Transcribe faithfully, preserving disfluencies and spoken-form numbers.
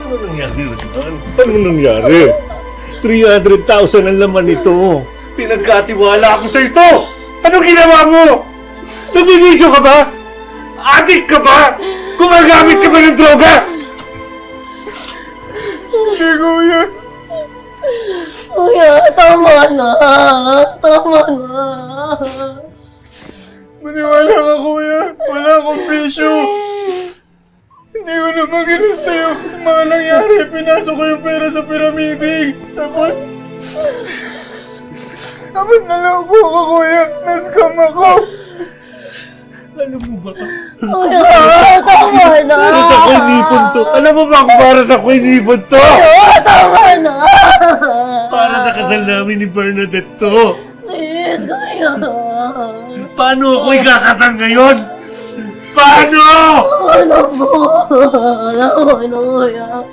Ano nangyari naman? Ano nangyari? three hundred thousand ang laman nito. Pinagkatiwala ako sa ito! Anong ginawa mo? Nabibisyo ka ba? Adik ka ba? Gumagamit ka ba ng droga? Hindi, kuya. Kuya, tama na. Tama na. Maniwala ka, kuya. Wala akong bisyo. Hindi ko naman ginusta yung mga nangyari. Pinasok ko yung pera sa piramide. Tapos... Tapos naloko ko, kuya. Nascam ako. Alam mo ba? Kuya, tama na. Para sa ko inipon to. Alam mo ba kung para sa ko inipon to? Kuya, tama na. Para sa kasal namin ni Bernadette to. Please, kuya. Paano ako ikakasal ngayon? Paano? Ano po? Ano po, kuya?